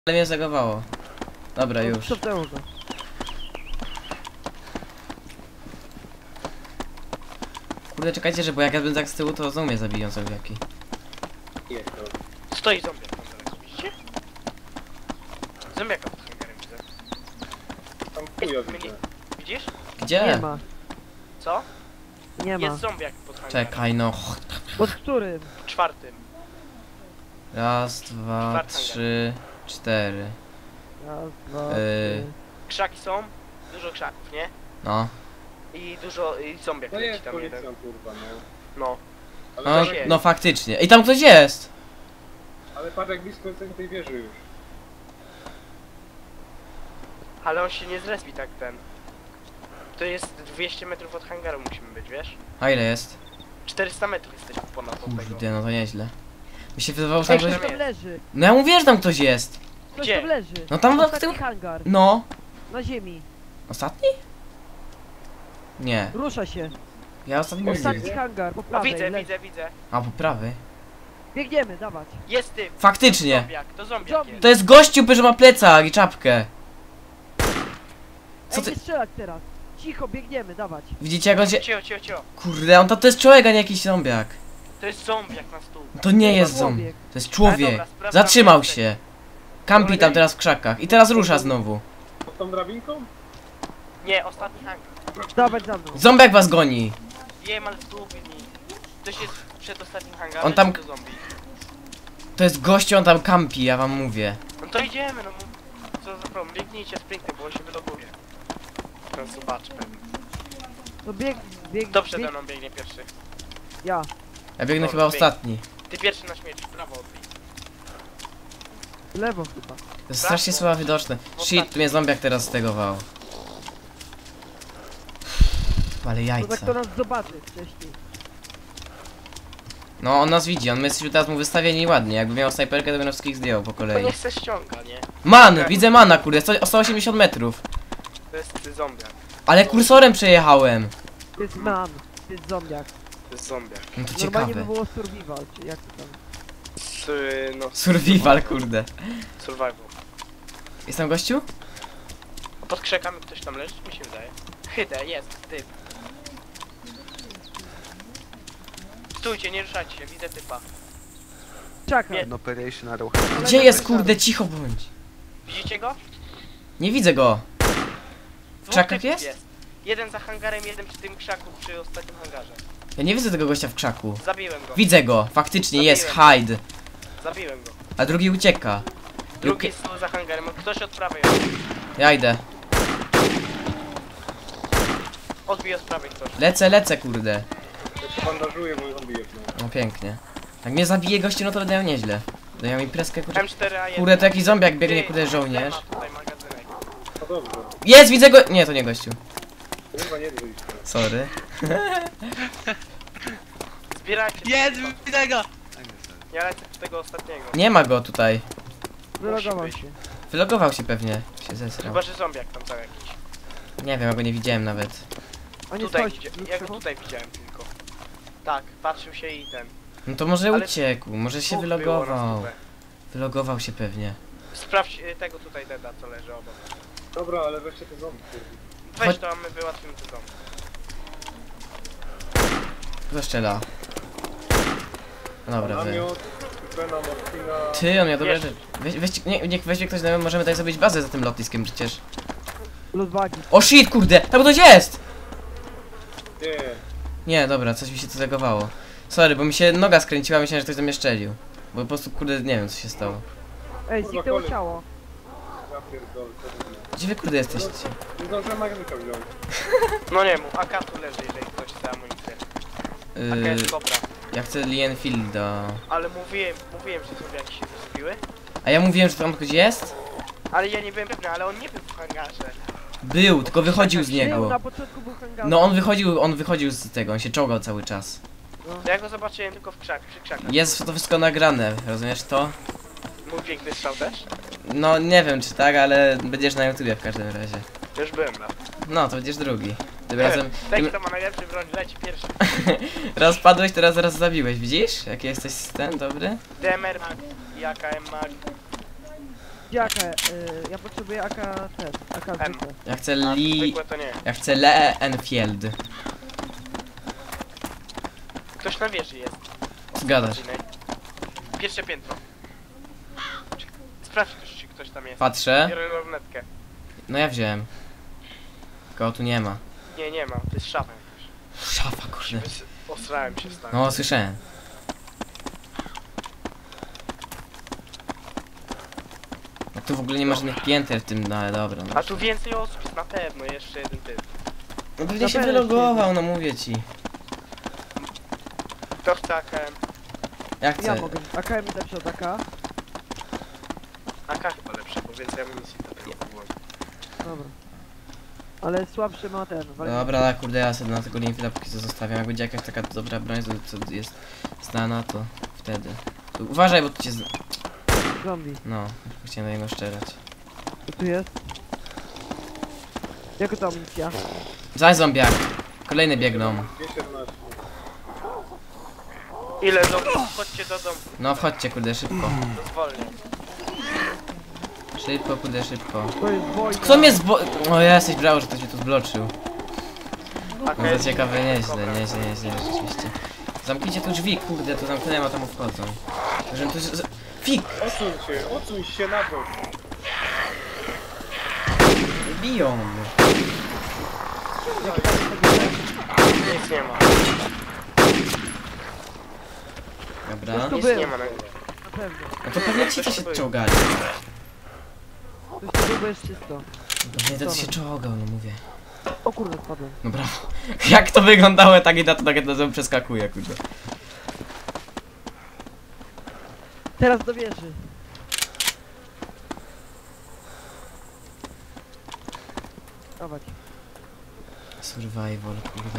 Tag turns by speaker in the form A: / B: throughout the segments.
A: Ale mnie zagowało. Dobra, już. Kurde, czekajcie, że bo jak ja będę tak z tyłu, to znowu mnie zabiją zombiaki.
B: Stoi zombiak tam zaraz, widzicie? Zombiaka pod hangarem widzę.
C: Tam chuja widzę.
B: Widzisz?
A: Gdzie?
D: Nie ma,
B: Co?
D: nie ma.
B: Jest zombiak pod hangarem.
A: Czekaj, no.
D: Pod którym?
B: Czwartym.
A: Raz, dwa,
B: Czwarty
A: trzy, cztery.
D: Raz, dwa,
A: Yy.
D: trzy.
B: Krzaki są, dużo krzaków, nie?
A: No.
B: I dużo, i zombiak
C: No
B: leci
C: jest
B: tam
C: policjant,
B: jeden.
C: kurwa, no.
B: No.
C: Ale,
A: No,
C: patrz, jak,
A: no faktycznie. I tam ktoś jest!
C: ale patrz jak blisko jestem tej wieży już.
B: Ale on się nie zrespi tak ten. To jest 200 metrów od hangaru musimy być, wiesz?
A: A ile jest?
B: 400 metrów jesteśmy ponad od tego.
A: Kurde, no to nieźle. Mi się wydawało, że
D: Ej,
A: tam
D: ktoś
A: ktoś...
D: tam leży.
A: No ja mówię, że tam ktoś jest.
D: Ktoś
B: Gdzie?
D: tam leży.
A: No tam w
D: Ostatni
A: tył...
D: hangar.
A: No.
D: Na ziemi.
A: Ostatni? Nie.
D: Rusza się.
A: Ja ostatni nie
D: Ostatni
A: widzę.
D: hangar, po
B: O,
D: prawej.
B: widzę,
D: leży.
B: widzę.
A: A, po prawej.
D: Biegniemy, dawać.
B: Jest ty.
A: Faktycznie.
B: Zombiak, to zombiak
D: Zombie.
B: jest.
A: To jest gościu, że ma plecak i czapkę. Co
D: Ej,
A: ty...
D: nie strzelać teraz. Cicho, biegniemy, dawać.
A: Widzicie jak on się...
B: Cio.
A: Kurde, on to jest człowiek, a nie jakiś zombiak.
B: To jest zombiak na stół.
A: To nie jest
D: człowiek.
A: zombie. To jest człowiek.
B: Ale dobra, sprawdzam
A: Zatrzymał
B: jeszcze.
A: się. Kampi tam teraz w krzakach. I teraz rusza znowu.
C: Pod tą drabinką?
B: Nie, ostatni hangar.
D: Dawać za mną.
A: Zombiak was goni.
B: Jem, ale zgubił mi. Ktoś jest przed ostatnim hangarem,
A: On tam-
B: czy to zombie?
A: To jest gościu, on tam kampi, ja wam mówię.
B: No to idziemy, no co za problem, biegnijcie sprinty, bo on się wyloguje. Teraz zobacz pewnie.
D: No bieg.
B: Kto przede mną biegnie pierwszy?
D: Ja.
A: Ja biegnę
B: Dobra,
A: chyba
B: bieg.
A: ostatni.
B: Ty pierwszy na śmierć, w prawo odbij.
D: Lewo chyba.
A: To jest strasznie słabo widoczne. Shit, mnie zombiak teraz stegował. Ale
D: To tak
A: jajca.
D: to nas zobaczy wcześniej.
A: No on nas widzi, my jesteśmy teraz mu wystawieni ładnie. Jakby miał snajperkę, to by nas wszystkich zdjął po
B: To
A: kolei.
B: niech se ściąga, nie?
A: Man! Widzę mana, kurde, 180 metrów.
B: To jest zombiak.
A: Ale kursorem przejechałem.
D: To jest man. To jest zombiak.
B: To jest zombiak.
A: No to
D: Normalnie by
A: ciekawe.
D: było survival, czy jak to tam.
B: No,
A: Survival, kurde.
B: Survival.
A: Jest tam gościu?
B: A pod krzakami ktoś tam leży, mi się wydaje. Hydę, jest, typ. Stójcie, nie ruszajcie się, widzę typa.
D: Czaka.
B: Nie.
E: An operation arrow.
A: Gdzie jest, kurde, cicho bądź.
B: Widzicie go?
A: Nie widzę go.
B: Dwóch
A: krzakach
B: typów
A: jest?
B: Jeden za hangarem, jeden przy tym krzaku, przy ostatnim hangarze.
A: Ja nie widzę tego gościa w krzaku.
B: Zabiłem go.
A: Widzę go, faktycznie jest,
B: Zabiłem.
A: hide.
B: Zabiłem go.
A: A drugi ucieka.
B: Drugi jest za hangarem, ktoś od prawej odbił.
A: Ja idę.
B: Odbij od prawej ktoś.
A: Lecę, kurde.
C: Ja się bandażuję, bo zombie jest, no.
A: No pięknie. Jak mnie zabije gościu, no to będę miał nieźle. Będę miał imprezkę, kurde.
B: M4A1.
A: Kurde, to jakiś zombiak biegnie,
B: Ty,
A: kurde, żołnierz.
B: ma tutaj magazynek.
C: No dobrze.
A: Jest, widzę go! Nie, to nie gościu.
C: Kurwa nie wyjść.
A: Sorry.
B: Zbierajcie.
F: Jest, widzę go!
B: Ja lecę z tego ostatniego.
A: Nie ma go tutaj.
D: Wylogował
B: być.
D: się.
A: Wylogował się pewnie. Się zesrał.
B: Chyba, że zombiak tam cały jakiś.
A: Nie wiem, ja go nie widziałem nawet.
D: A nie
B: Tutaj,
D: schodź.
B: ja go tutaj widziałem tylko. Tak, patrzył się i ten.
A: No to może
B: Ale
A: uciekł, może się
B: Dwóch było na
A: wylogował.
B: stówę.
A: Wylogował się pewnie.
B: Sprawdź tego tutaj deda, co leży obok.
C: Dobra, ale weźcie te zombie, kurwa.
B: Weź
A: Chodź-
B: to, a my wyłatwimy te domy.
A: Kto strzela? No dobra, wy.
C: Namiot, Bena, Martina...
A: Ty, on miał dobre
B: Jeszcze.
A: rzeczy. Niech weźmie ktoś, możemy tutaj zrobić bazę za tym lotniskiem przecież.
D: Luzbagi.
A: O shit, kurde! Tam ktoś jest!
C: Nie,
A: Nie, dobra, coś mi się tu zagowało. Sorry, bo mi się noga skręciła, myślałem, że ktoś do mnie szczelił. Bo po prostu, kurde, nie wiem co się stało.
D: Ej,
C: Kurwa,
D: zniknęło
C: kolej.
D: ciało.
C: ja pierdolę, co to jest?
A: Gdzie wy, kurde, jesteście?
C: Nie zdążyłem magazynka wziąć.
B: No nie mów, AK tu leży, jeżeli ktoś chce amunicję. AK jest dobra.
A: Ja chcę Lienfielda.
B: Ale mówiłem, że sobie jakieś się zrobiły.
A: A ja mówiłem, że tam ktoś jest?
B: Ale ja nie byłem pewny, ale on nie był w hangarze.
A: Był, tylko wychodził z
D: Był,
A: niego.
D: na początku był hangar.
A: No on wychodził z tego, on się czołgał cały czas.
B: To ja go zobaczyłem tylko przy krzakach.
A: Jest to wszystko nagrane, rozumiesz to?
B: Mój piękny strzał też?
A: No nie wiem czy tak, ale będziesz na YouTubie w każdym razie.
B: Już byłem na.
A: No, to będziesz drugi. Tym razem...
B: Ten, kto ma najlepszy broń, leci pierwszy.
A: Raz padłeś, teraz zaraz zabiłeś, widzisz? Jaki jesteś ten, dobry?
B: DMR mag i AKM mag.
D: Jaka? Ja potrzebuję AK ten, AK
B: M.
D: zwykle.
A: Ja chcę
B: A
A: Lee...
B: zwykłe to nie.
A: Ja chcę Lee Enfield.
B: Ktoś na wieży jest.
A: Zgadasz.
B: Pierwsze piętro. Sprawdź, czy ktoś tam jest.
A: Patrzę.
B: Biorę lornetkę.
A: No ja wziąłem. Kogo tu nie ma.
B: Nie ma. To jest szafa jakaś.
A: Szafa, kurde.
B: Osrałem się stary.
A: No, słyszałem. A tu w ogóle nie ma żadnych pięter w tym, no ale dobra. No,
B: A tu więcej osób jest na pewno. Jeszcze jeden typ.
A: no pewnie się
D: pewno
A: wylogował, no mówię ci.
B: Kto chce AKM?
A: Ja chcę.
D: Ja mogę. AK mi lepszy od AK.
B: AK chyba lepsze, bo więcej amunicji do tego było.
D: Dobra. Ale słabszy ma ten.
A: Dobra, kurde, ja sobie na tego Linfielda póki co zostawiam. Jak będzie jakaś taka dobra broń, co jest znana, to wtedy. Tu, uważaj, bo tu cię...
D: Zombie.
A: No, chciałem do niego strzelać.
D: Co tu jest? Jaka to amunicja?
A: Zaś zombiak. Kolejne biegną.
C: 217.
B: Ile do... Chodźcie do domu.
A: No wchodźcie, kurde, szybko.
B: To zwolnię.
A: Szybko, kurde, szybko.
D: To jest wojna.
A: Kto mnie zbo... O, ja jesteś brało, że ktoś mnie tu zbloczył.
B: AK
A: No to
B: jest...
A: ciekawe, nieźle,
B: Dobra.
A: nieźle, rzeczywiście. Zamknijcie tu drzwi, kurde, tu zamknąłem, a tam wchodzą. Że tu... Fik!
C: Odsuń się na bok.
A: Biją mnie.
B: Nic nie ma.
A: Dobra.
D: Tu
B: Nic
D: był.
B: nie ma na
D: Na pewno.
A: No to pewnie ci to się czołgali.
D: Coś tu było jest czysto.
A: No nie, to się czołgał, no mówię.
D: O kurde, spadłem.
A: No brawo. Jak to wyglądało, tak i na to przeskakuje, kurde.
D: Teraz do wieży. Dawać.
A: Survival, kurde.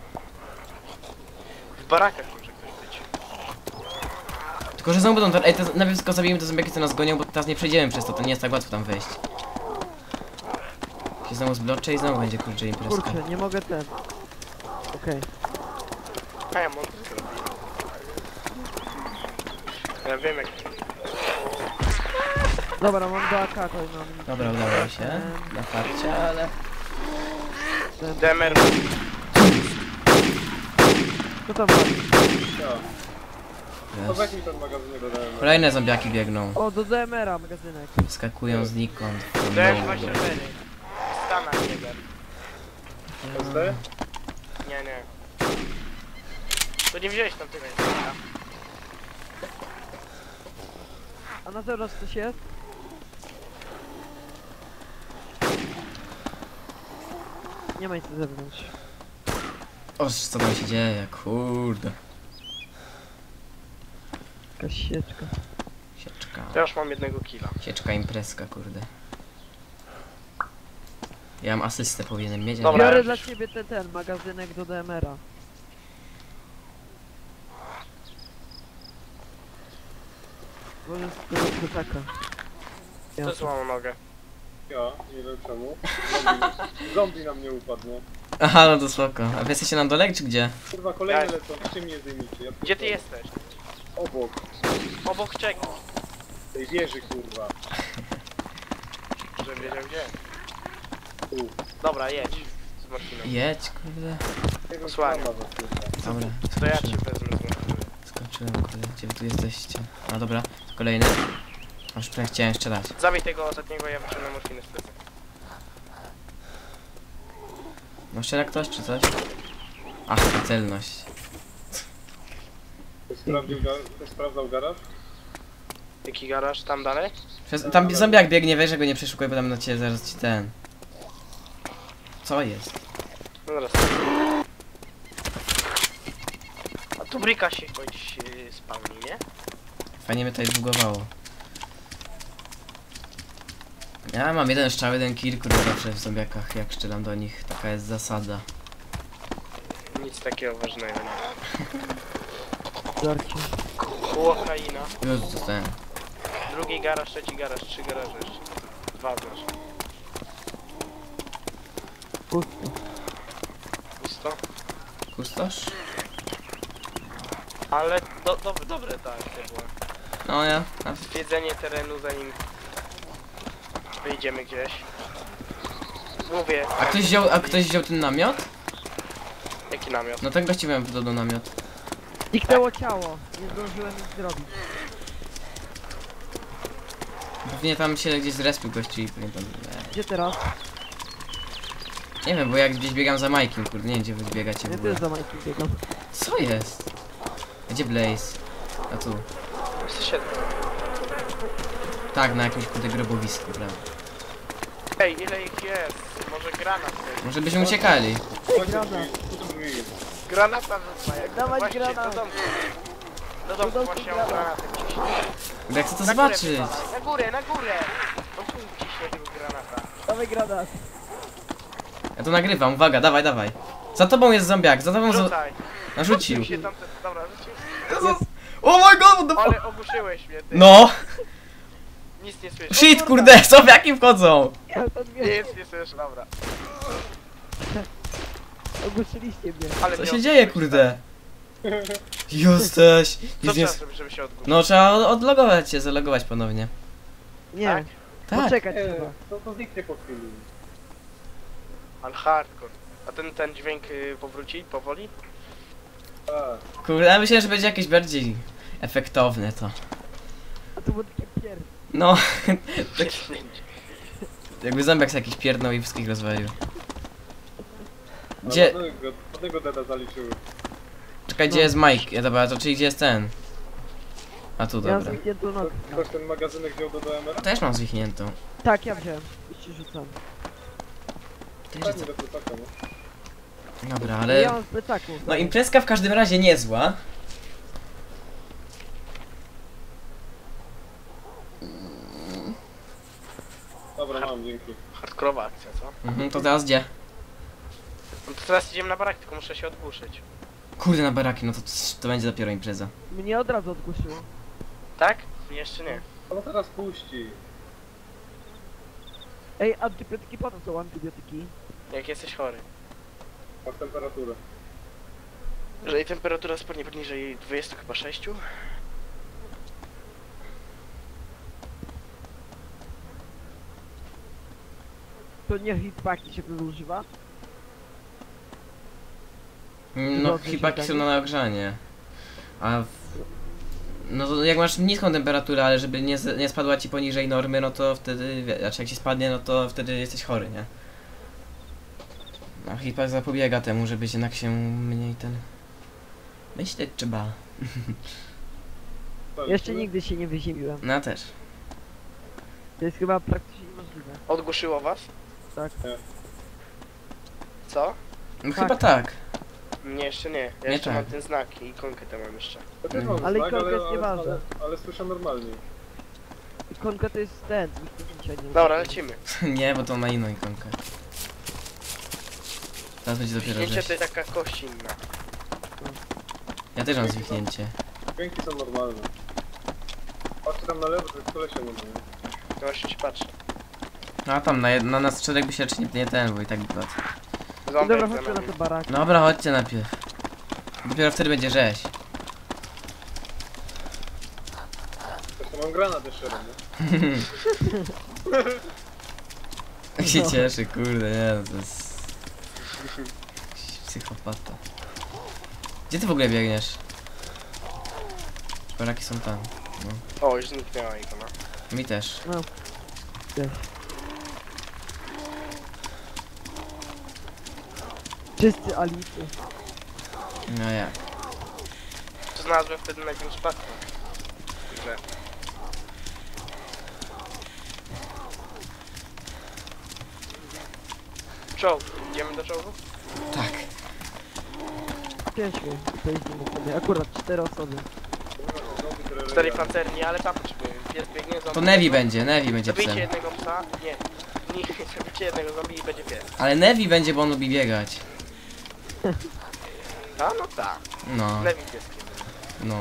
B: W barakach może ktoś być.
A: Tylko, że znowu będą... Ej, to najpierw tylko zabijemy te zombiaki, co nas gonią, bo teraz nie przejdziemy przez to, to nie jest tak łatwo tam wejść. Się znowu zbloczę i znowu będzie, kurczę, imprezka.
D: Kurczę, nie mogę ten. Okej.
B: A ja mam to zrobić. Ja wiem jak...
D: Dobra, mam do AK kolejną amunicję.
A: Dobra, udało mi się. Na farcie, ale...
D: Ten-
B: DMR.
D: Co tam ma?
C: Ja. To
A: Jest.
C: weź mi ten magazynek dodałem.
A: Kolejne zombiaki biegną.
D: O, do DMR-a magazynek.
A: Skakują znikąd.
B: DM24. Stana jeden.
C: SD?
B: Nie. To nie wziąłeś tam tego języka.
D: A na zewnątrz coś jest? Nie ma nic na zewnątrz.
A: O, co tam się dzieje, kurde.
D: Jakaś sieczka.
A: Sieczka.
B: To już mam jednego killa.
A: Sieczka imprezka, kurde. Ja mam asystę, powinienem mieć, ale...
B: Dobra.
D: Biorę
B: już.
D: dla ciebie ten magazynek do DMR-a. Może z tego plecaka.
B: To złamał nogę.
C: Ja, nie wiem czemu. Zombie na mnie upadł, nie?
A: Aha, no to spoko. A wy jesteście na dole, czy gdzie?
C: Kurwa, kolejne
B: Ja-
C: lecą, czym mnie zdejmijcie? Ja
B: Gdzie ty
C: pierdolę.
B: jesteś?
C: Obok.
B: Obok czego?
C: Tej wieży, kurwa.
B: Żebym wiedział gdzie.
C: Tu.
B: Dobra, jedź. Z morfiną.
A: Jedź, kurde.
C: Nie wiem,
B: Posłanie.
C: co ma za kurwa.
A: Dobra,
B: To ja cię
A: skoczyłem,
B: wezmę z morfiny.
A: skoczyłem, kurde. Gdzie wy tu jesteście? A dobra, kolejny. Aż prawie chciałem strzelać.
B: Zabij tego ostatniego, ja wyciągnę morfinę z plecy.
A: No strzela ktoś, czy coś? Ach, ta celność.
C: Ktoś sprawdzał garaż?
B: Jaki garaż? Tam dalej?
A: Tam zombiak biegnie, weź, że go nie przeszukuj, bo tam na ciebie zaraz ci ten... Co jest?
B: No zaraz. A tu bryka się choć spawni, nie?
A: Fajnie mnie tutaj zbugowało. Ja mam jeden strzał, jeden kill, kurde, zawsze w zombiakach, jak strzelam do nich. Taka jest zasada.
B: Nic takiego ważnego nie.
D: Żarcie.
B: Ukraina.
A: Jezu, co ten?
B: Drugi garaż, trzeci garaż, 3 garaże jeszcze. 2 znaczy.
D: Pusto.
B: Pusto.
A: Kustosz?
B: Ale dobre ta akcja była.
A: No ja.
B: Zwiedzenie terenu zanim Wyjdziemy gdzieś. Mówię.
A: A ktoś wziął ten namiot?
B: Jaki namiot?
A: No tak właściwie mam do namiot.
D: Zniknęło ciało. Nie zdążyłem nic zrobić.
A: Pewnie tam się gdzieś zrespił gości i pewnie tam...
D: Gdzie teraz?
A: Nie wiem, bo jak gdzieś biegam za Majkiem, kurde, nie wiem gdzie wy biegacie w
D: Ja
A: ogóle.
D: też za Majkiem biegam.
A: Co jest? Gdzie Blaze? A tu.
B: Jesteście...
A: Tak, na jakimś kurde grobowisku, prawda?
B: Ej, ile ich jest? Może granat jest.
A: Może byśmy uciekali.
C: Chodźcie
D: granat.
C: drzwi, tu drzwi.
B: Granata rzuca, jak
D: Dawać
B: właśnie
D: granat.
B: do domku. Do domku
D: domku
B: właśnie
D: granat.
B: granatem ciśnie.
A: Kurde, ja chcę to
B: Na górę
A: zobaczyć.
B: wywalaj, na górę, na górę! Do góry ciśnie tego granata.
D: Dawaj granat.
A: Ja to nagrywam, uwaga, dawaj, dawaj. Za tobą jest zombiak, za tobą
B: Rzucaj.
A: narzucił.
B: Rzucił się tamten, dobra, rzucił.
A: Oh my god, what the fuck?
B: Ale ogłuszyłeś mnie, ty.
A: No!
B: Nic nie słyszę.
A: Shit, kurde, zombiaki wchodzą!
D: Ja to nie.
B: Nic nie słyszę, dobra.
D: Ogłuszyliście mnie.
B: Ale
A: Co
B: nie
A: się dzieje,
B: odgłuszyłeś,
A: kurde? Jesteś!
B: Co
A: Nic nie...
B: trzeba zrobić, żeby się odgłuszyć?
A: No trzeba odlogować się, zalogować ponownie.
D: Nie.
B: Tak?
A: Tak.
D: Poczekać
C: Nie,
D: trzeba.
C: to zniknie po chwili.
B: Ale hardcore. A ten dźwięk powróci powoli?
C: Tak.
A: Kurde, ja myślę, że będzie jakieś bardziej efektowne to.
D: A to było takie pierd...
A: No, tak jakby zombiak sobie jakiś pierdnął i wszystkich rozwalił. Gdzie...
C: Jednego deda zaliczyły.
A: Czekaj, gdzie jest Mike? Ja, dobra, to czyli gdzie jest ten? A tu,
D: Ja mam
A: dobra.
D: znikniętą nogę.
C: Ktoś ten magazynek wziął do DMR?
A: Też mam zwichniętą.
D: Tak, ja wziąłem. Już ci rzucam.
A: Też
C: Tak,
A: jest...
C: nie do plecaka, no.
A: Dobra,
D: Ja
A: ale...
D: mam w plecaku.
A: No imprezka w każdym razie niezła.
C: Dobra, mam, dzięki.
B: Hardkorowa akcja, co?
A: Mhm, to teraz gdzie?
B: No to teraz idziemy na barak, tylko muszę się odgłuszyć.
A: Kurde, na baraki, no to będzie dopiero impreza.
D: Mnie od razu odgłuszyło.
B: Tak? Jeszcze nie.
C: No teraz puści.
D: Ej, antybiotyki po to są antybiotyki.
B: Jak jesteś chory.
C: Masz temperaturę.
B: Jeżeli temperatura spadnie poniżej 20 chyba 6.
D: To nie hitpaki się wtedy używa?
A: No,
D: Dobrze się
A: hipaki są
D: tak?
A: na nagrzanie. A... No to jak masz niską temperaturę, ale żeby nie spadła ci poniżej normy, no to wtedy... Znaczy jak ci spadnie, no to wtedy jesteś chory, nie? A hipak zapobiega temu, żeby jednak się mniej ten... Myśleć trzeba.
D: Jeszcze nigdy się nie wyziemiłem.
A: No ja też.
D: To jest chyba praktycznie niemożliwe.
B: Odgłuszyło was?
D: Tak.
B: Co?
A: No
D: Tak.
A: chyba tak.
B: Mnie jeszcze nie. Ja
A: Nie
B: jeszcze
A: tak.
B: mam ten znak i ikonkę tam mam jeszcze.
C: Ja też mam
D: Ale
C: znak,
D: ikonka jest nieważna.
C: ale słyszę normalnie.
D: Ikonka to jest ten, zdjęcia, nie?
B: Dobra, lecimy.
A: Nie, bo to na inną ikonkę. Teraz będzie dopiero
B: Zdjęcie
A: rzeź.
B: to jest taka kość inna.
A: Ja też mam zwichnięcie.
C: Dźwięki są normalne. Patrzcie tam na lewo, to jest kolesia nie ma. nie?
B: No właśnie się patrzę.
A: No a tam na nas czterech by się raczej nie ten, bo i tak by padł.
B: Zombie
D: Dobra,
B: jak za
D: chodźmy na
B: nami.
D: te baraki.
A: Dobra, chodźcie najpierw. Dopiero wtedy będzie rzeź.
C: Zresztą mam granat jeszcze raz, nie?
A: Jak się cieszy, kurde, nie, no to jest... Jakiś psychopata. Gdzie ty w ogóle biegniesz? Baraki są tam. No.
B: O, już zniknęła ikona.
A: Mi też.
D: No. Też. Wszyscy alicy.
A: No jak?
B: To znalazłem wtedy największy patrol. Że... Czołg. Idziemy do czołgu?
A: Tak.
D: Ciężko. To jest sobie. Akurat 4 osoby.
B: 4 pancerni, ale tam potrzebuję. Pies biegnie, zombie.
A: To Nevi będzie
B: Zabijcie
A: psem.
B: jednego psa. Nie. Nie, zabijcie jednego zombie i będzie pies.
A: Ale Nevi będzie, bo on lubi biegać.
B: A no tak.
A: No,
B: Lewi pieskiem.
A: no.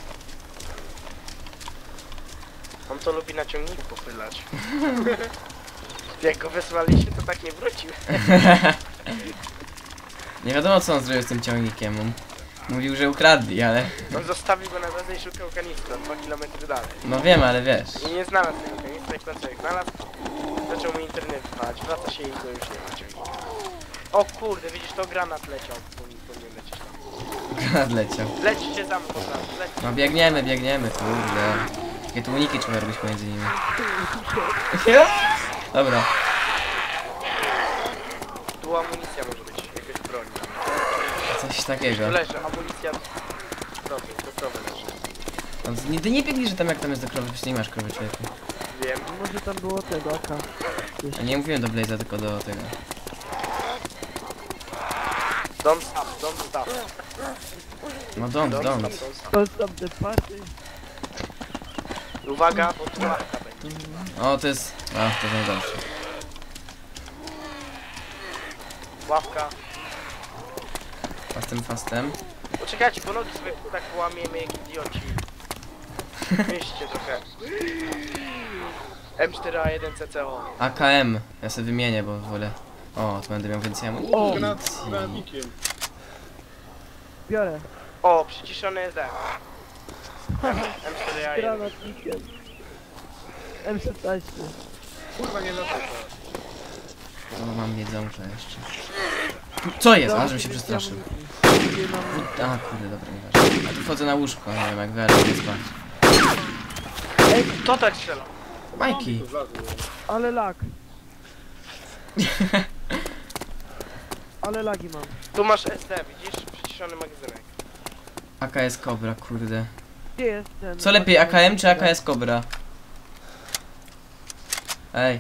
B: On to lubi na ciągniku popylać. Jak go wysłaliśmy, to tak nie wrócił.
A: Nie wiadomo co on zrobił z tym ciągnikiem. On mówił, że ukradli, ale...
B: On zostawił go na drodze i szukał kanistra 2 km dalej.
A: No wiem, ale wiesz.
B: I nie znalazł tego kanistra i w końcu jak znalazł, zaczął zaczął mu internet wpać, wraca się i go już nie ma ciągnika. O kurde, widzisz, to granat leciał, powinien lecieć tam.
A: Granat leciał.
B: Lećcie za mną, dobra, lećcie.
A: No biegniemy, kurde. Takie tłumniki trzeba robić pomiędzy nimi. Dobra.
B: Tu amunicja może być, jakaś broń.
A: Coś takiego.
B: Tu leży, amunicja do krowy leży.
A: No, ty nie biegnij, że tam jak tam jest do krowy, przecież nie masz krowy, człowieku.
B: Wiem.
D: Może tam było tego AK.
A: A nie mówiłem do Blaze'a, tylko do tego.
B: Don't stop.
A: No don't.
D: To stop the party.
B: Uwaga, bo tu łapka będzie.
A: O, to jest... A, to jest najgorsze.
B: Łapka.
A: Fastem.
B: Poczekajcie, bo nogi sobie tak połamiemy jak idioci. Mieście trochę. M4A1 CCO.
A: AKM. Ja sobie wymienię, bo wolę... O, to będę miał więcej
D: O!
A: amunicji.
C: Granatnikiem.
D: Biorę.
B: O, przyciszony SD. M4A1.
D: Granatnikiem. M16.
C: Kurwa, nie lecę.
A: No, mam jedzonka jeszcze. Co jest? A, żebym się przestraszył. A, kurde, dobra, nieważne. A tu wchodzę na łóżko, nie wiem jak wy, ale nie spać.
B: Kto tak strzela?
A: Majki!
C: To zlazło.
D: Ale lag. Ale lagi mam.
B: Tu masz SD, widzisz? Przyciszony magazynek.
A: AKS Cobra, kurde.
D: Gdzie jest ten?
A: Co lepiej, AKM czy AKS Cobra? Ej,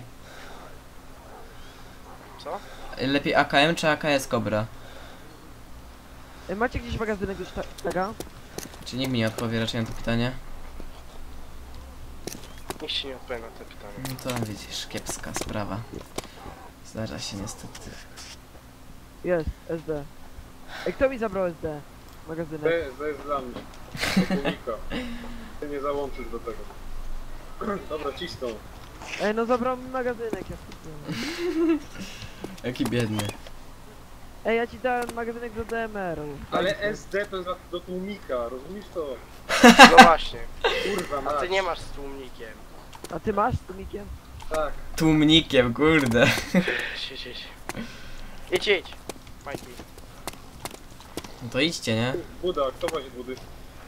B: Co?
A: lepiej AKM czy AKS Cobra?
D: Macie gdzieś magazynek już tego?
A: Czy nikt mi nie odpowie raczej na to pytanie?
B: Nikt się nie odpowie na to pytanie.
A: No to widzisz, kiepska sprawa. Zdarza się niestety.
D: Jest, SD. Ej, kto mi zabrał SD? Magazynek.
C: To jest dla mnie. Do tłumika. Ty nie załączysz do tego. Dobra, cisną.
D: Ej, no zabrał mi magazynek, ja wkurwiłem.
A: Jaki biedny.
D: Ej, ja ci dałem magazynek do DMR-u.
C: Ale SD to jest do tłumika, rozumiesz to?
B: No właśnie.
C: Kurwa,
B: A ty
C: mać.
B: nie masz z tłumnikiem.
D: A ty masz z tumikiem?
C: Tak.
A: Tłumnikiem, kurde.
B: Idź. Idź. Majki.
A: No to idźcie, nie?
C: Buda, kto wozi budy?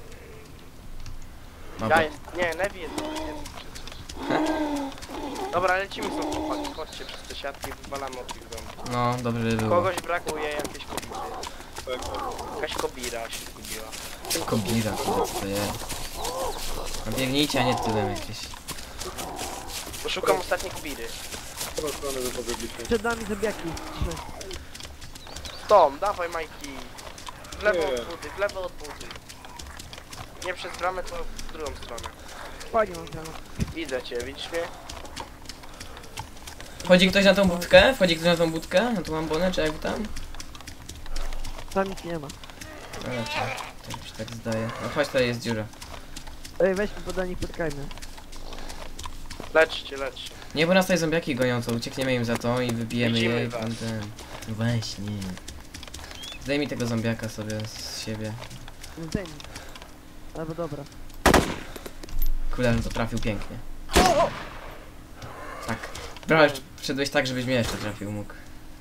A: No
B: Ja
A: bo...
B: jest. Nie, Nevi jest przecież. Dobra, lecimy sobie chłopaki. Chodźcie przez te siatki, wywalamy od tych domów.
A: No, dobrze by było.
B: Kogoś brakuje jakiejś kobiry.
C: Tak.
B: Jakaś kobira się zgubiła.
A: Kobira, kurde, co to jest? No biegnijcie, a nie tyłem jakieś.
B: Poszukam ostatniej kobiry.
C: W którą stronę wy pobiegliście?
D: Przed nami zębiaki. Trzy.
B: Tom, dawaj Majki. W lewo
C: Nie.
B: od budy, w lewo od budy. Nie przez bramę, to w drugą stronę.
D: Fajnie mam granat.
B: Widzę cię, widzisz mnie?
A: Wchodzi ktoś na tą budkę? Wchodzi ktoś na tą budkę? Na tą ambonę, czy jak tam?
D: Tam nic nie ma.
A: No raczej. Tak mi się tak zdaje. No chodź, tutaj jest dziura.
D: Ej, weźmy podanie, spotkajmy.
B: Leczcie.
A: Nie, bo nas tutaj zombiaki gonią, to uciekniemy im za to i wybijemy
B: Widzimy
A: je i
B: was.
A: ten... No właśnie. Zdejmij tego zombiaka sobie z siebie.
D: Zdejmij. Albo dobra.
A: Kurde, no to trafił pięknie. Tak. Brawo, wszedłeś tak, żebyś mnie jeszcze trafił mógł.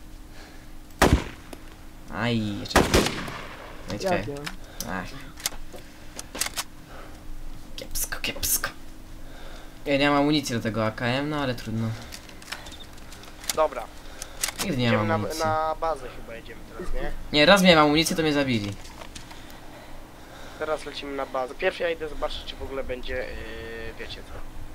A: Aj, jeszcze... No i
D: Ja
A: czekaj.
D: wiem.
A: Ach. Kiepsko. Ja nie mam amunicji do tego AKM, no ale trudno.
B: Dobra,
A: Nigdy nie
B: idziemy
A: mam
B: na,
A: amunicji.
B: na bazę chyba jedziemy teraz, nie?
A: Nie, raz miałem amunicję, to mnie zabili.
B: Teraz lecimy na bazę. Pierwszy ja idę zobaczyć, czy w ogóle będzie, wiecie co.